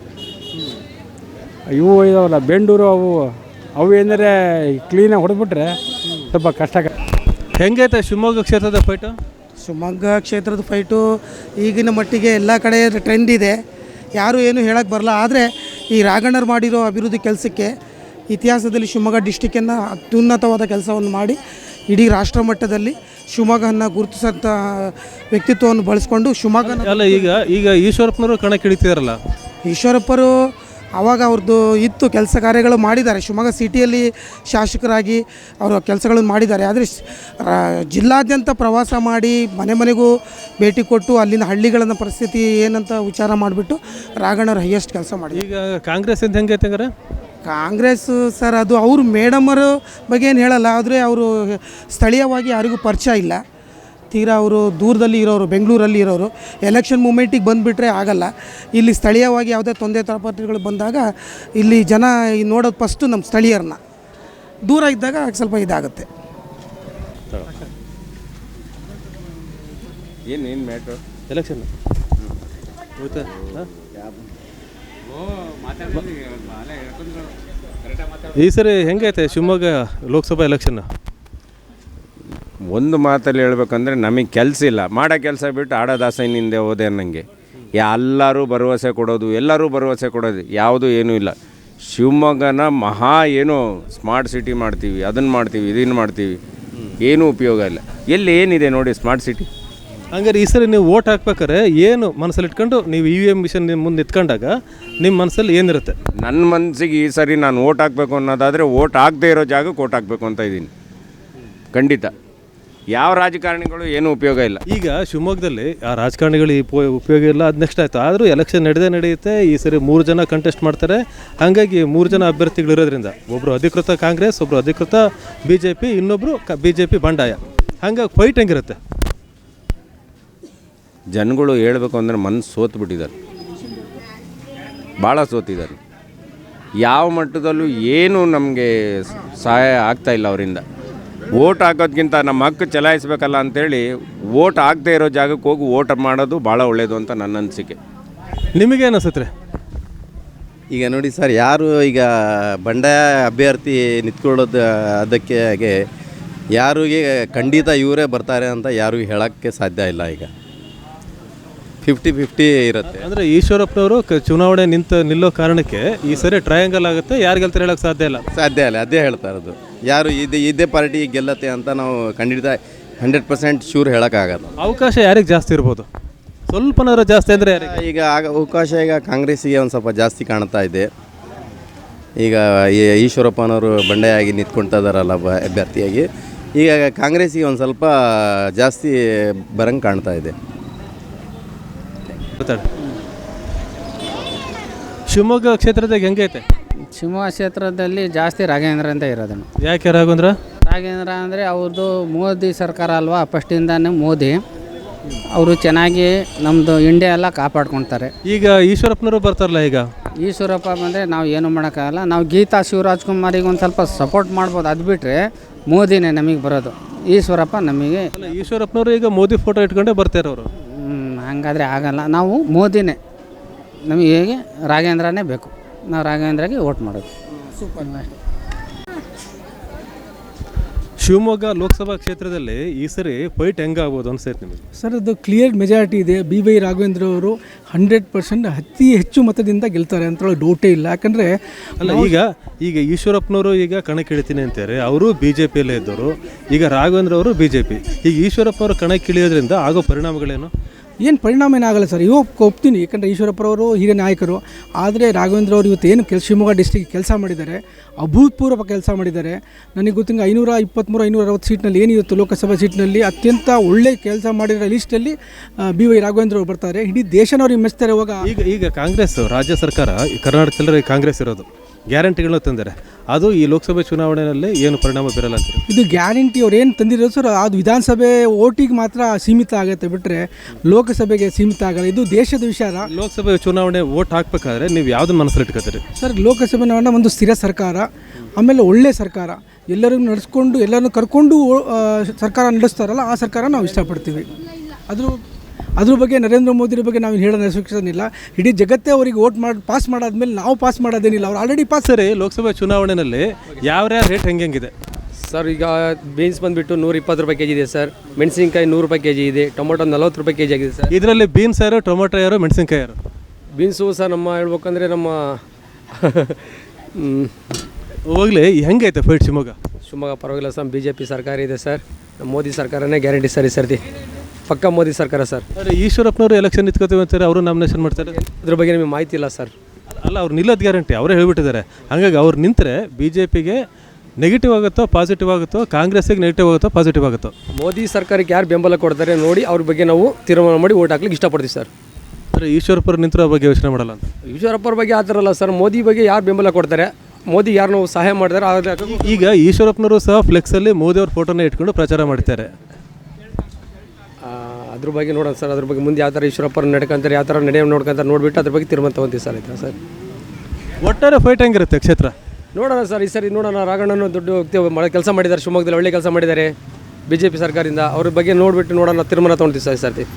S6: ಇವು ಇದಾವಲ್ಲ ಬೆಂಡೂರು, ಅವು ಏನಂದರೆ ಕ್ಲೀನಾಗಿ ಹೊಡೆದ್ಬಿಟ್ರೆ ಸ್ವಲ್ಪ ಕಷ್ಟ.
S1: ಹೆಂಗೈತೆ ಶಿವಮೊಗ್ಗ ಕ್ಷೇತ್ರದ ಫೈಟು?
S9: ಶಿವಮೊಗ್ಗ ಕ್ಷೇತ್ರದ ಫೈಟು ಈಗಿನ ಮಟ್ಟಿಗೆ ಎಲ್ಲ ಕಡೆ ಟ್ರೆಂಡ್ ಇದೆ, ಯಾರೂ ಏನು ಹೇಳಕ್ಕೆ ಬರಲ್ಲ. ಆದರೆ ಈ ರಾಘಣ್ಣರು ಮಾಡಿರೋ ಅಭಿವೃದ್ಧಿ ಕೆಲಸಕ್ಕೆ ಇತಿಹಾಸದಲ್ಲಿ ಶಿವಮೊಗ್ಗ ಡಿಸ್ಟಿಕ್ಕನ್ನು ಅತ್ಯುನ್ನತವಾದ ಕೆಲಸವನ್ನು ಮಾಡಿ ಇಡೀ ರಾಷ್ಟ್ರ ಮಟ್ಟದಲ್ಲಿ ಶಿವಮೊಗ್ಗವನ್ನು ಗುರುತಿಸೋಂಥ ವ್ಯಕ್ತಿತ್ವವನ್ನು ಬಳಸ್ಕೊಂಡು ಶಿವಮೊಗ್ಗನ.
S1: ಅಲ್ಲ, ಈಗ ಈಶ್ವರಪ್ಪನವರು ಕಣಕ್ಕೆ ಇಳಿತಿದಾರಲ್ಲ.
S9: ಈಶ್ವರಪ್ಪರು ಆವಾಗ ಅವ್ರದ್ದು ಇತ್ತು, ಕೆಲಸ ಕಾರ್ಯಗಳು ಮಾಡಿದ್ದಾರೆ. ಶಿವಮೊಗ್ಗ ಸಿಟಿಯಲ್ಲಿ ಶಾಸಕರಾಗಿ ಅವರು ಕೆಲಸಗಳನ್ನು ಮಾಡಿದ್ದಾರೆ. ಆದರೆ ಜಿಲ್ಲಾದ್ಯಂತ ಪ್ರವಾಸ ಮಾಡಿ ಮನೆ ಮನೆಗೂ ಭೇಟಿ ಕೊಟ್ಟು ಅಲ್ಲಿನ ಹಳ್ಳಿಗಳನ್ನು ಪರಿಸ್ಥಿತಿ ಏನಂತ ವಿಚಾರ ಮಾಡಿಬಿಟ್ಟು ರಾಘಣ್ಣವ್ರು ಹೈಯೆಸ್ಟ್ ಕೆಲಸ ಮಾಡಿ.
S1: ಈಗ ಕಾಂಗ್ರೆಸ್ಸಿಂದ ಹೆಂಗೈತೆ ಹಂಗಾರೆ?
S9: ಕಾಂಗ್ರೆಸ್ ಸರ್, ಅದು ಅವರು ಮೇಡಮರ ಬಗ್ಗೆ ಏನು ಹೇಳಲ್ಲ. ಆದರೆ ಅವರು ಸ್ಥಳೀಯವಾಗಿ ಯಾರಿಗೂ ಪರಿಚಯ ಇಲ್ಲ. ತೀರಾ ಅವರು ದೂರದಲ್ಲಿ ಇರೋರು, ಬೆಂಗಳೂರಲ್ಲಿ ಇರೋರು. ಎಲೆಕ್ಷನ್ ಮೂಮೆಂಟಿಗೆ ಬಂದುಬಿಟ್ರೆ ಆಗಲ್ಲ. ಇಲ್ಲಿ ಸ್ಥಳೀಯವಾಗಿ ಯಾವುದೇ ತೊಂದರೆ ತಾಪತ್ರಗಳು ಬಂದಾಗ ಇಲ್ಲಿ ಜನ ನೋಡೋದು ಫಸ್ಟು ನಮ್ಮ ಸ್ಥಳೀಯರನ್ನ. ದೂರ ಇದ್ದಾಗ ಸ್ವಲ್ಪ ಇದಾಗುತ್ತೆ.
S10: ಏನು ಮ್ಯಾಟ್ರು
S1: ಎಲೆಕ್ಷನ್ ಈ ಸರಿ ಹೆಂಗೈತೆ ಶಿವಮೊಗ್ಗ ಲೋಕಸಭಾ ಎಲೆಕ್ಷನ್?
S10: ಒಂದು ಮಾತಲ್ಲಿ ಹೇಳ್ಬೇಕಂದ್ರೆ ನಮಗೆ ಕೆಲಸ ಇಲ್ಲ, ಮಾಡೋ ಕೆಲಸ ಬಿಟ್ಟು ಆಡೋ ದಾಸನಿಂದೆ ಹೋದೆ ಅನ್ನಂಗೆ. ಎಲ್ಲರೂ ಭರವಸೆ ಕೊಡೋದು, ಎಲ್ಲರೂ ಭರವಸೆ ಕೊಡೋದು, ಯಾವುದೂ ಏನೂ ಇಲ್ಲ. ಶಿವಮೊಗ್ಗನ ಏನೋ ಸ್ಮಾರ್ಟ್ ಸಿಟಿ ಮಾಡ್ತೀವಿ, ಅದನ್ನು ಮಾಡ್ತೀವಿ, ಇದನ್ನು ಮಾಡ್ತೀವಿ, ಏನೂ ಉಪಯೋಗ ಇಲ್ಲ. ಎಲ್ಲಿ ಏನಿದೆ ನೋಡಿ ಸ್ಮಾರ್ಟ್ ಸಿಟಿ?
S1: ಹಂಗಾರೆ ಈ ಸರಿ ನೀವು ಓಟ್ ಹಾಕ್ಬೇಕಾರೆ ಏನು ಮನಸ್ಸಲ್ಲಿ ಇಟ್ಕೊಂಡು ನೀವು EVM ಮಿಷನ್ ನಿಮ್ಮ ಮುಂದೆ ನಿಂತ್ಕೊಂಡಾಗ ನಿಮ್ಮ ಮನಸ್ಸಲ್ಲಿ ಏನಿರುತ್ತೆ?
S10: ನನ್ನ ಮನಸ್ಸಿಗೆ ಈ ಸರಿ ನಾನು ಓಟ್ ಹಾಕಬೇಕು ಅನ್ನೋದಾದರೆ ಓಟ್ ಆಗದೇ ಇರೋ ಜಾಗಕ್ಕೆ ಓಟ್ ಹಾಕಬೇಕು ಅಂತ ಇದ್ದೀನಿ. ಖಂಡಿತ ಯಾವ ರಾಜಕಾರಣಿಗಳು ಏನೂ ಉಪಯೋಗ ಇಲ್ಲ.
S1: ಈಗ ಶಿವಮೊಗ್ಗದಲ್ಲಿ ಆ ರಾಜಕಾರಣಿಗಳು ಉಪಯೋಗ ಇಲ್ಲ, ಅದು ನೆಕ್ಸ್ಟ್ ಆಯಿತು. ಆದರೂ ಎಲೆಕ್ಷನ್ ನಡೆಯುತ್ತೆ. ಈ ಸರಿ 3 ಜನ ಕಂಟೆಸ್ಟ್ ಮಾಡ್ತಾರೆ. ಹಾಗಾಗಿ 3 ಜನ ಅಭ್ಯರ್ಥಿಗಳು ಇರೋದ್ರಿಂದ ಒಬ್ಬರು ಅಧಿಕೃತ ಕಾಂಗ್ರೆಸ್, ಒಬ್ಬರು ಅಧಿಕೃತ BJP, ಇನ್ನೊಬ್ಬರು BJP ಬಂಡಾಯ. ಹಂಗಾಗಿ ಫೈಟ್ ಹೆಂಗಿರುತ್ತೆ?
S10: ಜನಗಳು ಹೇಳಬೇಕು ಅಂದರೆ ಮನಸ್ಸು ಸೋತು ಬಿಟ್ಟಿದ್ದಾರೆ, ಭಾಳ ಸೋತಿದ್ದಾರೆ. ಯಾವ ಮಟ್ಟದಲ್ಲೂ ಏನೂ ನಮಗೆ ಸಹಾಯ ಆಗ್ತಾಯಿಲ್ಲ ಅವರಿಂದ. ಓಟ್ ಹಾಕೋದ್ಕಿಂತ ನಮ್ಮ ಹಕ್ಕು ಚಲಾಯಿಸಬೇಕಲ್ಲ ಅಂಥೇಳಿ ಓಟ್ ಆಗದೆ ಇರೋ ಜಾಗಕ್ಕೆ ಹೋಗಿ ಓಟ್ ಮಾಡೋದು ಭಾಳ ಒಳ್ಳೆಯದು ಅಂತ ನನ್ನ ಅನಿಸಿಕೆ.
S1: ನಿಮಗೇನು ಅನಿಸುತ್ತೆ?
S11: ಈಗ ನೋಡಿ ಸರ್, ಯಾರು ಈಗ ಬಂಡಾಯ ಅಭ್ಯರ್ಥಿ ನಿಂತ್ಕೊಳ್ಳೋದು ಅದಕ್ಕೆ ಯಾರಿಗೆ ಖಂಡಿತ ಇವರೇ ಬರ್ತಾರೆ ಅಂತ ಯಾರು ಹೇಳೋಕ್ಕೆ ಸಾಧ್ಯ ಇಲ್ಲ. ಈಗ 50-50 ಇರುತ್ತೆ.
S1: ಅಂದರೆ ಈಶ್ವರಪ್ಪನವರು ಚುನಾವಣೆ ನಿಲ್ಲೋ ಕಾರಣಕ್ಕೆ ಈ ಸರಿ ಟ್ರಯಾಂಗಲ್ ಆಗುತ್ತೆ, ಯಾರು ಗೆಲ್ತಾರೆ ಹೇಳೋಕ್ಕೆ ಸಾಧ್ಯ ಇಲ್ಲ.
S11: ಅದೇ ಹೇಳ್ತಾ ಇರೋದು. ಯಾರು ಇದೇ ಪಾರ್ಟಿ ಗೆಲ್ಲತ್ತೆ ಅಂತ ನಾವು ಖಂಡಿತ 100% ಶೂರ್ ಹೇಳೋಕ್ಕಾಗಲ್ಲ.
S1: ಅವಕಾಶ ಯಾರಿಗೆ ಜಾಸ್ತಿ ಇರ್ಬೋದು? ಸ್ವಲ್ಪನಾದ್ರು ಜಾಸ್ತಿ ಅಂದರೆ ಯಾರಿಗೆ?
S11: ಈಗ ಅವಕಾಶ ಈಗ ಕಾಂಗ್ರೆಸ್ಸಿಗೆ ಒಂದು ಸ್ವಲ್ಪ ಜಾಸ್ತಿ ಕಾಣ್ತಾ ಇದೆ. ಈಗ ಈಶ್ವರಪ್ಪನವರು ಬಂಡೆಯಾಗಿ ನಿಂತ್ಕೊಳ್ತಾ ಇದ್ದಾರಲ್ಲ ಅಭ್ಯರ್ಥಿಯಾಗಿ, ಈಗ ಕಾಂಗ್ರೆಸ್ಸಿಗೆ ಒಂದು ಸ್ವಲ್ಪ ಜಾಸ್ತಿ ಬರಂಗೆ ಕಾಣ್ತಾ ಇದೆ.
S1: ಶಿವಮೊಗ್ಗ ಕ್ಷೇತ್ರದಾಗ ಹೆಂಗೈತೆ?
S4: ಶಿವಮೊಗ್ಗ ಕ್ಷೇತ್ರದಲ್ಲಿ ಜಾಸ್ತಿ ರಾಘವೇಂದ್ರ ಅಂತ ಇರೋದನ್ನು.
S1: ಯಾಕೆ ರಾಘವೇಂದ್ರ?
S4: ರಾಘವೇಂದ್ರ ಅಂದರೆ ಅವ್ರದ್ದು ಮೋದಿ ಸರ್ಕಾರ ಅಲ್ವಾ, ಫಸ್ಟಿಂದಾನೇ ಮೋದಿ ಅವರು ಚೆನ್ನಾಗಿ ನಮ್ಮದು ಇಂಡಿಯಾ ಎಲ್ಲ ಕಾಪಾಡ್ಕೊಳ್ತಾರೆ.
S1: ಈಗ ಈಶ್ವರಪ್ಪನವರು ಬರ್ತಾರಲ್ಲ, ಈಗ
S4: ಈಶ್ವರಪ್ಪ ಬಂದರೆ ನಾವು ಏನು ಮಾಡೋಕ್ಕಾಗಲ್ಲ. ನಾವು ಗೀತಾ ಶಿವರಾಜ್ಕುಮಾರಿಗೆ ಒಂದು ಸ್ವಲ್ಪ ಸಪೋರ್ಟ್ ಮಾಡ್ಬೋದು, ಅದು ಬಿಟ್ಟರೆ ಮೋದಿನೇ ನಮಗೆ ಬರೋದು. ಈಶ್ವರಪ್ಪ ನಮಗೆ
S1: ಈಶ್ವರಪ್ಪನವರು ಈಗ ಮೋದಿ ಫೋಟೋ ಇಟ್ಕೊಂಡೇ ಬರ್ತಾರೆ ಅವರು.
S4: ಹಂಗಾದರೆ ಆಗಲ್ಲ. ನಾವು ಮೋದಿನೇ, ನಮಗೆ ಹೇಗೆ ರಾಘವೇಂದ್ರನೇ ಬೇಕು. ನಾವು ರಾಘವೇಂದ್ರಗೆ ವೋಟ್ ಮಾಡೋದು.
S1: ಶಿವಮೊಗ್ಗ ಲೋಕಸಭಾ ಕ್ಷೇತ್ರದಲ್ಲಿ ಈ ಸರಿ ಫೈಟ್ ಹೆಂಗಾಗ್ಬೋದು ಅನ್ಸೈತೆ ನಿಮಗೆ?
S5: ಸರ್, ಅದು ಕ್ಲಿಯರ್ ಮೆಜಾರಿಟಿ ಇದೆ. ಬಿ.ವೈ. ರಾಘವೇಂದ್ರ ಅವರು 100% ಅತಿ ಹೆಚ್ಚು ಮತದಿಂದ ಗೆಲ್ತಾರೆ ಅಂತ ಡೌಟೇ ಇಲ್ಲ. ಯಾಕಂದರೆ
S1: ಅಲ್ಲ, ಈಗ ಈಶ್ವರಪ್ಪನವರು ಈಗ ಕಣಕ್ಕಿಳಿತೀನಿ ಅಂತಾರೆ, ಅವರು BJPಯಲ್ಲೇ ಇದ್ದವರು. ಈಗ ರಾಘವೇಂದ್ರ ಅವರು BJP. ಈಗ ಈಶ್ವರಪ್ಪನವರು ಕಣಕ್ಕಿಳಿಯೋದ್ರಿಂದ ಆಗೋ ಪರಿಣಾಮಗಳೇನು?
S5: ಏನು ಪರಿಣಾಮ ಏನಾಗಲ್ಲ ಸರ್, ಒಪ್ತೀನಿ. ಯಾಕಂದರೆ ಈಶ್ವರಪ್ಪರವರು ಹಿರಿಯ ನಾಯಕರು. ಆದರೆ ರಾಘವೇಂದ್ರ ಅವರು ಇವತ್ತು ಏನು ಶಿವಮೊಗ್ಗ ಡಿಸ್ಟಿಕ್ ಕೆಲಸ ಮಾಡಿದ್ದಾರೆ, ಅಭೂತಪೂರ್ವ ಕೆಲಸ ಮಾಡಿದ್ದಾರೆ. ನನಗೆ ಗೊತ್ತಿಂಗ 523-560 ಸೀಟ್ನಲ್ಲಿ ಏನಿತ್ತು ಲೋಕಸಭಾ ಸೀಟ್ನಲ್ಲಿ ಅತ್ಯಂತ ಒಳ್ಳೆ ಕೆಲಸ ಮಾಡಿರೋ ಲಿಸ್ಟಲ್ಲಿ ಬಿ.ವೈ. ರಾಘವೇಂದ್ರ ಅವರು ಬರ್ತಾರೆ. ಇಡೀ ದೇಶನವ್ರಿಗೆ ಮೆಚ್ತಾರೆ.
S1: ಈಗ ಕಾಂಗ್ರೆಸ್ ರಾಜ್ಯ ಸರ್ಕಾರ ಕರ್ನಾಟಕದಲ್ಲಿ ಕಾಂಗ್ರೆಸ್ ಇರೋದು, ಗ್ಯಾರಂಟಿಗಳನ್ನ ತಂದರೆ ಅದು ಈ ಲೋಕಸಭೆ ಚುನಾವಣೆಯಲ್ಲಿ ಏನು ಪರಿಣಾಮ ಬೀರಲ್ಲ ಅಂತ?
S5: ಇದು ಗ್ಯಾರಂಟಿ ಅವ್ರು ಏನು ತಂದಿರೋದು ಸರ್, ಅದು ವಿಧಾನಸಭೆ ಓಟಿಗೆ ಮಾತ್ರ ಸೀಮಿತ ಆಗುತ್ತೆ, ಬಿಟ್ಟರೆ ಲೋಕಸಭೆಗೆ ಸೀಮಿತ ಆಗಲ್ಲ. ಇದು ದೇಶದ ವಿಚಾರ.
S1: ಲೋಕಸಭೆ ಚುನಾವಣೆ ಓಟ್ ಹಾಕ್ಬೇಕಾದ್ರೆ ನೀವು ಯಾವುದನ್ನ ಮನಸ್ಸಲ್ಲಿ ಇಟ್ಕೋತೀರಿ
S5: ಸರ್? ಲೋಕಸಭೆ ಒಂದು ಸ್ಥಿರ ಸರ್ಕಾರ, ಆಮೇಲೆ ಒಳ್ಳೆ ಸರ್ಕಾರ, ಎಲ್ಲರಿಗೂ ನಡೆಸ್ಕೊಂಡು ಎಲ್ಲರನ್ನು ಕರ್ಕೊಂಡು ಸರ್ಕಾರ ನಡೆಸ್ತಾರಲ್ಲ, ಆ ಸರ್ಕಾರ ನಾವು ಇಷ್ಟಪಡ್ತೀವಿ. ಅದ್ರ ಬಗ್ಗೆ ನರೇಂದ್ರ ಮೋದಿ ಬಗ್ಗೆ ನಾವು ಹೇಳೋ ಅವಶ್ಯಕತೆಯಿಲ್ಲ. ಇಡೀ ಜಗತ್ತೇ ಅವರಿಗೆ ವೋಟ್ ಪಾಸ್ ಮಾಡಾದ್ಮೇಲೆ ನಾವು ಪಾಸ್ ಮಾಡೋದೇನಿಲ್ಲ, ಅವ್ರು ಆಲ್ರೆಡಿ ಪಾಸ್.
S1: ಸರಿ, ಲೋಕಸಭೆ ಚುನಾವಣೆಯಲ್ಲಿ ಯಾವ ರೇಟ್ ಹೆಂಗಿದೆ
S12: ಸರ್? ಈಗ ಬೀನ್ಸ್ ಬಂದುಬಿಟ್ಟು 120 ರೂಪಾಯಿ ಕೆಜಿ ಇದೆ ಸರ್. ಮೆಣಸಿನ್ಕಾಯಿ 100 ರೂಪಾಯಿ ಕೆಜಿ ಇದೆ. ಟೊಮೊಟೊ 40 ರೂಪಾಯಿ ಕೆಜಿ ಆಗಿದೆ ಸರ್.
S1: ಇದರಲ್ಲಿ ಬೀನ್ಸ್ ಯಾರು, ಟೊಮೊಟೊ ಯಾರು, ಮೆಣಸಿನ್ಕಾಯಿ ಯಾರು?
S12: ಬೀನ್ಸು ಸರ್ ನಮ್ಮ ಹೇಳ್ಬೇಕಂದ್ರೆ ನಮ್ಮ
S1: ಹೋಗ್ಲಿ, ಹೆಂಗೈತೆ ಫೈಟ್
S12: ಶಿವಮೊಗ್ಗ ಪರವಾಗಿಲ್ಲ ಸರ್. BJP ಸರ್ಕಾರ ಇದೆ ಸರ್. ನಮ್ಮ ಮೋದಿ ಸರ್ಕಾರನೇ ಗ್ಯಾರಂಟಿ ಸರ್. ಈ ಸರ್ತಿ ಪಕ್ಕ ಮೋದಿ ಸರ್ಕಾರ ಸರ್.
S1: ಈಶ್ವರಪ್ಪನವರು ಎಲೆಕ್ಷನ್ ನಿಂತ್ಕೋತೀವಿ ಅಂತಾರೆ, ಅವರು ನಾಮಿನೇಷನ್ ಮಾಡ್ತಾರೆ.
S12: ಅದ್ರ ಬಗ್ಗೆ ನಿಮಗೆ ಮಾಹಿತಿ ಇಲ್ಲ ಸರ್.
S1: ಅಲ್ಲ, ಅವ್ರು ನಿಲ್ಲೋದು ಗ್ಯಾರಂಟಿ ಅವರೇ ಹೇಳ್ಬಿಟ್ಟಿದ್ದಾರೆ. ಹಾಗಾಗಿ ಅವ್ರು ನಿಂತರೆ BJPಗೆ ನೆಗೆಟಿವ್ ಆಗುತ್ತೋ ಪಾಸಿಟಿವ್ ಆಗುತ್ತೋ, ಕಾಂಗ್ರೆಸ್ಸಿಗೆ ನೆಗೆಟಿವ್ ಆಗುತ್ತೋ ಪಾಸಿಟಿವ್ ಆಗುತ್ತೋ?
S12: ಮೋದಿ ಸರ್ಕಾರಕ್ಕೆ ಯಾರು ಬೆಂಬಲ ಕೊಡ್ತಾರೆ ನೋಡಿ ಅವ್ರ ಬಗ್ಗೆ ನಾವು ತೀರ್ಮಾನ ಮಾಡಿ ಓಟ್ ಹಾಕ್ಲಿಕ್ಕೆ ಇಷ್ಟಪಡ್ತೀವಿ ಸರ್.
S1: ಸರ್, ಈಶ್ವರಪ್ಪರು ನಿಂತಿರೋ ಬಗ್ಗೆ ಯೋಚನೆ ಮಾಡಲ್ಲ ಅಂತ?
S12: ಈಶ್ವರಪ್ಪರ ಬಗ್ಗೆ ಆ ಥರ ಅಲ್ಲ ಸರ್. ಮೋದಿ ಬಗ್ಗೆ ಯಾರು ಬೆಂಬಲ ಕೊಡ್ತಾರೆ, ಮೋದಿ ಯಾರು ನಾವು ಸಹಾಯ ಮಾಡ್ತಾರೆ.
S1: ಈಗ ಈಶ್ವರಪ್ಪನವರು ಸಹ ಫ್ಲೆಕ್ಸಲ್ಲಿ ಮೋದಿ ಅವ್ರ ಫೋಟೋನ ಇಟ್ಕೊಂಡು ಪ್ರಚಾರ ಮಾಡ್ತಾರೆ.
S12: ಅದ್ರ ಬಗ್ಗೆ ನೋಡೋಣ ಸರ್. ಅದ್ರ ಬಗ್ಗೆ ಮುಂದೆ ಯಾವ ಥರ ಈಶ್ವರಪ್ಪರು ನಡ್ಕೊಂತಾರೆ, ಯಾವ ಥರ ನಡೆಯ ನೋಡ್ಕೊಂತಾರೆ ನೋಡಿಬಿಟ್ಟು ಅದ್ರ ಬಗ್ಗೆ ತೀರ್ಮಾನ ತೊಗೊಂತೀವಿ ಸರ್. ಆಯ್ತಾ ಸರ್?
S1: ಒಟ್ಟಾರೆ ಫೈಟ್ ಹೆಂಗಿರುತ್ತೆ ಕ್ಷೇತ್ರ
S12: ನೋಡೋಣ ಸರ್. ಈ ಸರಿ ನೋಡೋಣ. ರಾಘಣ್ಣನು ದೊಡ್ಡ ವ್ಯಕ್ತಿ ಕೆಲಸ ಮಾಡಿದ್ದಾರೆ ಶಿವಮೊಗ್ಗದಲ್ಲಿ, ಒಳ್ಳೆ ಕೆಲಸ ಮಾಡಿದ್ದಾರೆ BJP ಸರ್ಕಾರದಿಂದ. ಅವ್ರ ಬಗ್ಗೆ ನೋಡಿಬಿಟ್ಟು ನೋಡೋಣ, ತೀರ್ಮಾನ ತೊಗೊಳ್ತೀವಿ ಸರ್ ಈ ಸರ್ತಿ.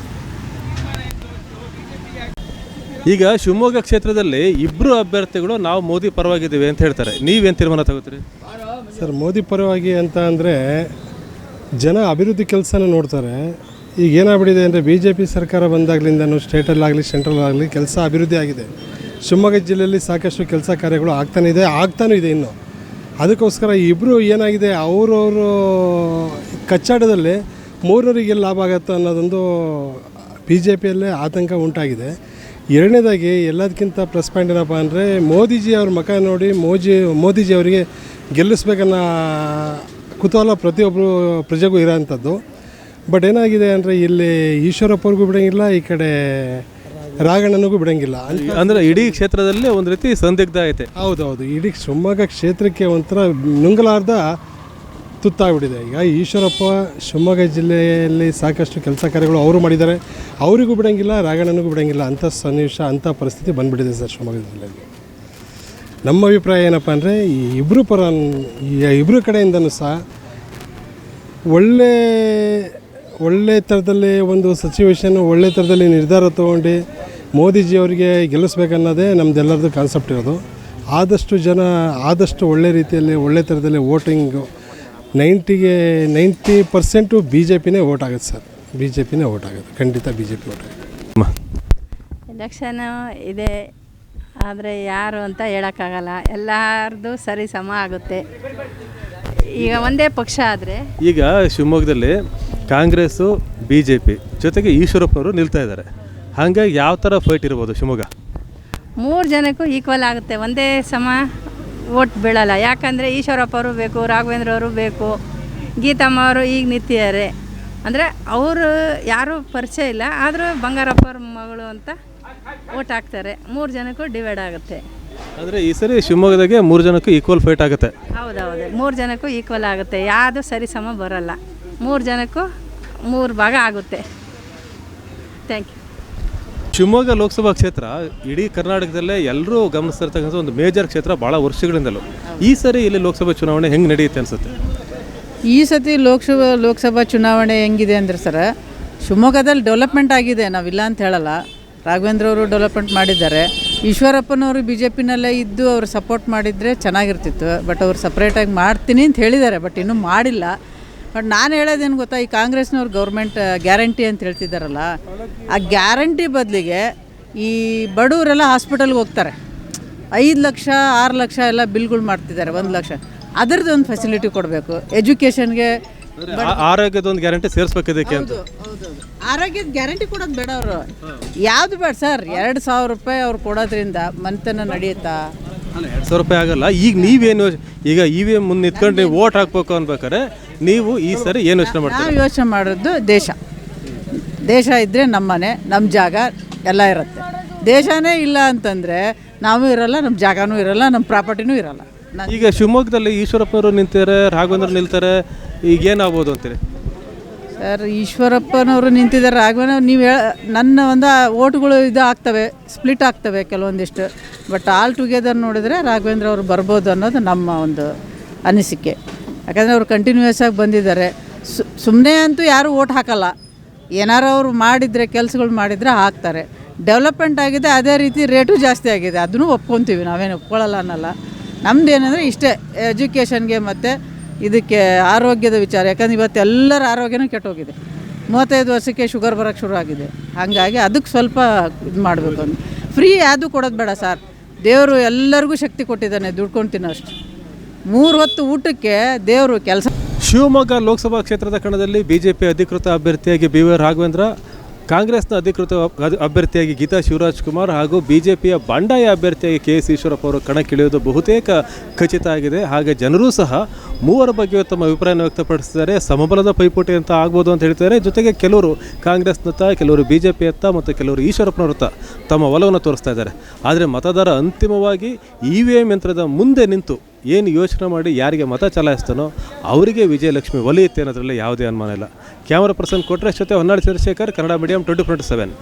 S1: ಈಗ ಶಿವಮೊಗ್ಗ ಕ್ಷೇತ್ರದಲ್ಲಿ ಇಬ್ಬರು ಅಭ್ಯರ್ಥಿಗಳು ನಾವು ಮೋದಿ ಪರವಾಗಿದ್ದೀವಿ ಅಂತ ಹೇಳ್ತಾರೆ, ನೀವೇನು ತೀರ್ಮಾನ ತಗೋತೀರಿ?
S13: ಸರ್, ಮೋದಿ ಪರವಾಗಿ ಅಂತ ಅಂದರೆ ಜನ ಅಭಿವೃದ್ಧಿ ಕೆಲಸನ ನೋಡ್ತಾರೆ. ಈಗ ಏನಾಗ್ಬಿಟ್ಟಿದೆ ಅಂದರೆ BJP ಸರ್ಕಾರ ಬಂದಾಗಲಿಂದನೂ ಸ್ಟೇಟಲ್ಲಾಗಲಿ ಸೆಂಟ್ರಲ್ಲಾಗಲಿ ಕೆಲಸ ಅಭಿವೃದ್ಧಿ ಆಗಿದೆ. ಶಿವಮೊಗ್ಗ ಜಿಲ್ಲೆಯಲ್ಲಿ ಸಾಕಷ್ಟು ಕೆಲಸ ಕಾರ್ಯಗಳು ಆಗ್ತಾನೂ ಇದೆ ಇನ್ನು. ಅದಕ್ಕೋಸ್ಕರ ಇಬ್ಬರು ಏನಾಗಿದೆ, ಅವರವರು ಕಚ್ಚಾಟದಲ್ಲಿ ಮೂರವರಿಗೆ ಲಾಭ ಆಗುತ್ತೆ ಅನ್ನೋದೊಂದು BJPಯಲ್ಲೇ ಆತಂಕ ಉಂಟಾಗಿದೆ. ಎರಡನೇದಾಗಿ ಎಲ್ಲದಕ್ಕಿಂತ ಪ್ಲಸ್ ಪಾಯಿಂಟ್ ಏನಪ್ಪ ಅಂದರೆ ಮೋದಿಜಿ ಅವ್ರ ಮುಖ ನೋಡಿ ಮೋದಿಜಿ ಅವರಿಗೆ ಗೆಲ್ಲಿಸ್ಬೇಕನ್ನೋ ಕುತೂಹಲ ಪ್ರತಿಯೊಬ್ಬರು ಪ್ರಜೆಗೂ ಇರೋವಂಥದ್ದು. ಬಟ್ ಏನಾಗಿದೆ ಅಂದರೆ ಇಲ್ಲಿ ಈಶ್ವರಪ್ಪವ್ರಿಗೂ ಬಿಡೋಂಗಿಲ್ಲ, ಈ ಕಡೆ ರಾಘಣ್ಣನಿಗೂ ಬಿಡೋಂಗಿಲ್ಲ.
S1: ಅಂದರೆ ಇಡೀ ಕ್ಷೇತ್ರದಲ್ಲಿ ಒಂದು ರೀತಿ ಸಂದಿಗ್ಧ ಐತೆ.
S13: ಹೌದೌದು, ಇಡೀ ಶಿವಮೊಗ್ಗ ಕ್ಷೇತ್ರಕ್ಕೆ ಒಂಥರ ನುಂಗಲಾರ್ದ ತುತ್ತಾಗ್ಬಿಟ್ಟಿದೆ. ಈಗ ಈಶ್ವರಪ್ಪ ಶಿವಮೊಗ್ಗ ಜಿಲ್ಲೆಯಲ್ಲಿ ಸಾಕಷ್ಟು ಕೆಲಸ ಕಾರ್ಯಗಳು ಅವರು ಮಾಡಿದ್ದಾರೆ, ಅವರಿಗೂ ಬಿಡೋಂಗಿಲ್ಲ, ರಾಘಣ್ಣನಿಗೂ ಬಿಡೋಂಗಿಲ್ಲ. ಅಂಥ ಸನ್ನಿವೇಶ, ಅಂಥ ಪರಿಸ್ಥಿತಿ ಬಂದುಬಿಟ್ಟಿದೆ ಸರ್ ಶಿವಮೊಗ್ಗ ಜಿಲ್ಲೆಯಲ್ಲಿ. ನಮ್ಮ ಅಭಿಪ್ರಾಯ ಏನಪ್ಪ ಅಂದರೆ ಈ ಇಬ್ಬರು ಕಡೆಯಿಂದನೂ ಸಹ ಒಳ್ಳೆ ಥರದಲ್ಲಿ ಒಂದು ಸಿಚುವೇಶನ್, ಒಳ್ಳೆ ಥರದಲ್ಲಿ ನಿರ್ಧಾರ ತೊಗೊಂಡು ಮೋದಿಜಿಯವರಿಗೆ ಗೆಲ್ಲಿಸ್ಬೇಕನ್ನೋದೇ ನಮ್ಮದೆಲ್ಲರದ್ದು ಕಾನ್ಸೆಪ್ಟ್ ಇರೋದು. ಆದಷ್ಟು ಒಳ್ಳೆ ರೀತಿಯಲ್ಲಿ ಒಳ್ಳೆ ಥರದಲ್ಲಿ ವೋಟಿಂಗು 90% BJPನೇ ವೋಟ್ ಆಗುತ್ತೆ ಸರ್. BJPನೇ ವೋಟ್ ಆಗುತ್ತೆ, ಖಂಡಿತ BJP ವೋಟ್ ಆಗುತ್ತೆ.
S14: ಎಲೆಕ್ಷನು ಇದೆ, ಆದರೆ ಯಾರು ಅಂತ ಹೇಳೋಕ್ಕಾಗಲ್ಲ. ಎಲ್ಲರದು ಸರಿ ಸಮ ಆಗುತ್ತೆ. ಈಗ ಒಂದೇ ಪಕ್ಷ ಆದರೆ
S1: ಈಗ ಶಿವಮೊಗ್ಗದಲ್ಲಿ ಕಾಂಗ್ರೆಸ್ಸು BJP ಜೊತೆಗೆ ಈಶ್ವರಪ್ಪನವರು ನಿಲ್ತಾ ಇದ್ದಾರೆ. ಹಾಗಾಗಿ ಯಾವ ಥರ ಫೈಟ್ ಇರ್ಬೋದು ಶಿವಮೊಗ್ಗ?
S14: 3 ಜನಕ್ಕೂ ಈಕ್ವಲ್ ಆಗುತ್ತೆ, ಒಂದೇ ಸಮ ವೋಟ್ ಬೀಳಲ್ಲ. ಯಾಕಂದರೆ ಈಶ್ವರಪ್ಪ ಅವರು ಬೇಕು, ರಾಘವೇಂದ್ರ ಅವರು ಬೇಕು, ಗೀತಮ್ಮ ಅವರು ಈಗ ನಿಂತಿದ್ದಾರೆ. ಅಂದರೆ ಅವರು ಯಾರೂ ಪರಿಚಯ ಇಲ್ಲ, ಆದರೂ ಬಂಗಾರಪ್ಪ ಅವ್ರ ಮಗಳು ಅಂತ ಓಟ್ ಹಾಕ್ತಾರೆ, 3 ಜನಕ್ಕೂ ಡಿವೈಡ್ ಆಗುತ್ತೆ.
S1: ಅಂದರೆ ಈ ಸರಿ ಶಿವಮೊಗ್ಗದಾಗೆ 3 ಜನಕ್ಕೂ ಈಕ್ವಲ್ ಫೈಟ್ ಆಗುತ್ತೆ.
S14: ಹೌದೌದು, 3 ಜನಕ್ಕೂ ಈಕ್ವಲ್ ಆಗುತ್ತೆ, ಯಾವುದು ಸರಿ ಸಮ ಬರೋಲ್ಲ. 3 ಜನಕ್ಕೂ 3 ಭಾಗ ಆಗುತ್ತೆ. Thank you.
S1: ಶಿವಮೊಗ್ಗ ಲೋಕಸಭಾ ಕ್ಷೇತ್ರ ಇಡೀ ಕರ್ನಾಟಕದಲ್ಲೇ ಎಲ್ಲರೂ ಗಮನಿಸ್ತಿರ್ತಕ್ಕಂಥ ಒಂದು ಮೇಜರ್ ಕ್ಷೇತ್ರ ಭಾಳ ವರ್ಷಗಳಿಂದಲೂ. ಈ ಸರಿ ಇಲ್ಲಿ ಲೋಕಸಭಾ ಚುನಾವಣೆ ಹೆಂಗೆ ನಡೆಯುತ್ತೆ ಅನಿಸುತ್ತೆ?
S15: ಈ ಸತಿ ಲೋಕಸಭಾ ಚುನಾವಣೆ ಹೆಂಗಿದೆ ಅಂದರೆ ಸರ್, ಶಿವಮೊಗ್ಗದಲ್ಲಿ ಡೆವಲಪ್ಮೆಂಟ್ ಆಗಿದೆ, ನಾವಿಲ್ಲ ಅಂತ ಹೇಳಲ್ಲ. ರಾಘವೇಂದ್ರ ಅವರು ಡೆವಲಪ್ಮೆಂಟ್ ಮಾಡಿದ್ದಾರೆ. ಈಶ್ವರಪ್ಪನವರು ಬಿ ಜೆ ಪಿನಲ್ಲೇ ಇದ್ದು ಅವರು ಸಪೋರ್ಟ್ ಮಾಡಿದರೆ ಚೆನ್ನಾಗಿರ್ತಿತ್ತು. ಬಟ್ ಅವ್ರು ಸಪ್ರೇಟಾಗಿ ಮಾಡ್ತೀನಿ ಅಂತ ಹೇಳಿದ್ದಾರೆ, ಬಟ್ ಇನ್ನೂ ಮಾಡಿಲ್ಲ. ಬಟ್ ನಾನು ಹೇಳೋದೇನು ಗೊತ್ತಾ, ಈ ಕಾಂಗ್ರೆಸ್ನವ್ರು ಗೌರ್ಮೆಂಟ್ ಗ್ಯಾರಂಟಿ ಅಂತ ಹೇಳ್ತಿದ್ದಾರಲ್ಲ, ಆ ಗ್ಯಾರಂಟಿ ಬದಲಿಗೆ ಈ ಬಡವರೆಲ್ಲ ಹಾಸ್ಪಿಟಲ್ಗೆ ಹೋಗ್ತಾರೆ, 5 ಲಕ್ಷ 6 ಲಕ್ಷ ಎಲ್ಲ ಬಿಲ್ಗಳು ಮಾಡ್ತಿದ್ದಾರೆ, 1 ಲಕ್ಷ. ಅದರದ್ದು ಒಂದು ಫೆಸಿಲಿಟಿ ಕೊಡಬೇಕು. ಎಜುಕೇಷನ್ಗೆ
S1: ಆರೋಗ್ಯದ ಒಂದು ಗ್ಯಾರಂಟಿ ಸೇರಿಸ್ಬೇಕಿದ್ದಕ್ಕೆ ಅಂತ.
S15: ಆರೋಗ್ಯದ ಗ್ಯಾರಂಟಿ ಕೊಡೋದು ಬೇಡ, ಅವರು ಯಾವುದು ಬೇಡ ಸರ್. 2,000 ರೂಪಾಯಿ ಅವ್ರು ಕೊಡೋದ್ರಿಂದ ಮನೆತನ ನಡೆಯುತ್ತಾ?
S1: ಅಲ್ಲ, 2,000 ರೂಪಾಯಿ ಆಗಲ್ಲ. ಈಗ ನೀವೇನು, ಈಗ EVM ಮುಂದೆ ನಿಂತ್ಕೊಂಡು ನೀವು ಓಟ್ ಹಾಕ್ಬೇಕು ಅನ್ಬೇಕಾರೆ ನೀವು ಈ ಸರಿ ಏನು ಯೋಚನೆ ಮಾಡ್ತೀವಿ?
S15: ನಾವು ಯೋಚನೆ ಮಾಡೋದು ದೇಶ ಇದ್ದರೆ ನಮ್ಮ ಮನೆ, ನಮ್ಮ ಜಾಗ ಎಲ್ಲ ಇರುತ್ತೆ. ದೇಶನೇ ಇಲ್ಲ ಅಂತಂದರೆ ನಾವು ಇರಲ್ಲ, ನಮ್ಮ ಜಾಗನೂ ಇರಲ್ಲ, ನಮ್ಮ ಪ್ರಾಪರ್ಟಿನೂ ಇರಲ್ಲ.
S1: ಈಗ ಶಿವಮೊಗ್ಗದಲ್ಲಿ ಈಶ್ವರಪ್ಪನವರು ನಿಂತಾರೆ, ರಾಘವೇಂದ್ರ ನಿಲ್ತಾರೆ, ಈಗ ಏನಾಗ್ಬೋದು ಅಂತೀರಿ?
S15: ಸರ್, ಈಶ್ವರಪ್ಪನವರು ನಿಂತಿದ್ದಾರೆ, ರಾಘವೇಂದ್ರ ನೀವು ನನ್ನ ಒಂದು ಓಟ್ಗಳು ಇದು ಆಗ್ತವೆ, ಸ್ಪ್ಲಿಟ್ ಆಗ್ತವೆ ಕೆಲವೊಂದಿಷ್ಟು. ಬಟ್ ಆಲ್ ಟುಗೆದರ್ ನೋಡಿದರೆ ರಾಘವೇಂದ್ರ ಅವರು ಬರ್ಬೋದು ಅನ್ನೋದು ನಮ್ಮ ಒಂದು ಅನಿಸಿಕೆ. ಯಾಕಂದರೆ ಅವರು ಕಂಟಿನ್ಯೂಯಸ್ ಆಗಿ ಬಂದಿದ್ದಾರೆ. ಸುಮ್ಮನೆ ಅಂತೂ ಯಾರೂ ಓಟ್ ಹಾಕಲ್ಲ. ಏನಾರು ಅವರು ಮಾಡಿದರೆ, ಕೆಲಸಗಳು ಮಾಡಿದರೆ ಹಾಕ್ತಾರೆ. ಡೆವಲಪ್ಮೆಂಟ್ ಆಗಿದೆ, ಅದೇ ರೀತಿ ರೇಟು ಜಾಸ್ತಿ ಆಗಿದೆ, ಅದನ್ನು ಒಪ್ಕೊತೀವಿ, ನಾವೇನು ಒಪ್ಕೊಳ್ಳಲ್ಲ ಅನ್ನಲ್ಲ. ನಮ್ದು ಏನಂದರೆ ಇಷ್ಟೇ, ಎಜುಕೇಷನ್ಗೆ ಮತ್ತು ಇದಕ್ಕೆ ಆರೋಗ್ಯದ ವಿಚಾರ. ಯಾಕಂದ್ರೆ ಇವತ್ತು ಎಲ್ಲರ ಆರೋಗ್ಯನೂ ಕೆಟ್ಟೋಗಿದೆ. 35 ವರ್ಷಕ್ಕೆ ಶುಗರ್ ಬರೋಕ್ಕೆ ಶುರು ಆಗಿದೆ. ಹಾಗಾಗಿ ಅದಕ್ಕೆ ಸ್ವಲ್ಪ ಇದು ಮಾಡಬೇಕು ಅಂತ. ಫ್ರೀ ಯಾವುದು ಕೊಡೋದು ಬೇಡ ಸರ್. ದೇವರು ಎಲ್ಲರಿಗೂ ಶಕ್ತಿ ಕೊಟ್ಟಿದ್ದಾನೆ, ದುಡ್ಕೊಂಡು ತಿನ್ನೋಷ್ಟು. 3 ಹೊತ್ತು ಊಟಕ್ಕೆ ದೇವರು ಕೆಲಸ.
S1: ಶಿವಮೊಗ್ಗ ಲೋಕಸಭಾ ಕ್ಷೇತ್ರದ ಕಣದಲ್ಲಿ BJP ಅಧಿಕೃತ ಅಭ್ಯರ್ಥಿಯಾಗಿ BY ರಾಘವೇಂದ್ರ, ಕಾಂಗ್ರೆಸ್ನ ಅಧಿಕೃತ ಅಭ್ಯರ್ಥಿಯಾಗಿ ಗೀತಾ ಶಿವರಾಜ್ಕುಮಾರ್ ಹಾಗೂ BJPಯ ಬಂಡಾಯ ಅಭ್ಯರ್ಥಿಯಾಗಿ KS ಈಶ್ವರಪ್ಪ ಅವರು ಕಣಕ್ಕಿಳಿಯೋದು ಬಹುತೇಕ ಖಚಿತ ಆಗಿದೆ. ಹಾಗೆ ಜನರೂ ಸಹ ಮೂವರ ಬಗ್ಗೆ ತಮ್ಮ ಅಭಿಪ್ರಾಯವನ್ನು ವ್ಯಕ್ತಪಡಿಸಿದ್ದಾರೆ. ಸಮಬಲದ ಪೈಪೋಟಿ ಅಂತ ಆಗ್ಬೋದು ಅಂತ ಹೇಳ್ತಾರೆ. ಜೊತೆಗೆ ಕೆಲವರು ಕಾಂಗ್ರೆಸ್ನತ್ತ, ಕೆಲವರು BJPಯತ್ತ ಮತ್ತು ಕೆಲವರು ಈಶ್ವರಪ್ಪನವರತ್ತ ತಮ್ಮ ಒಲವನ್ನು ತೋರಿಸ್ತಾ ಇದ್ದಾರೆ. ಆದರೆ ಮತದಾರ ಅಂತಿಮವಾಗಿ EVM ಯಂತ್ರದ ಮುಂದೆ ನಿಂತು ಏನು ಯೋಚನೆ ಮಾಡಿ ಯಾರಿಗೆ ಮತ ಚಲಾಯಿಸ್ತಾನೋ ಅವರಿಗೆ ವಿಜಯಲಕ್ಷ್ಮಿ ಒಲಿಯುತ್ತೆ ಅನ್ನೋದ್ರಲ್ಲಿ ಯಾವುದೇ ಅನುಮಾನ ಇಲ್ಲ. ಕ್ಯಾಮರಾ ಪರ್ಸನ್ ಕೊಟ್ರೇಶ್ ಜೊತೆ ಹೊನ್ನಾಳಿ ಚಂದ್ರಶೇಖರ್, ಕನ್ನಡ ಮೀಡಿಯಂ 24/7.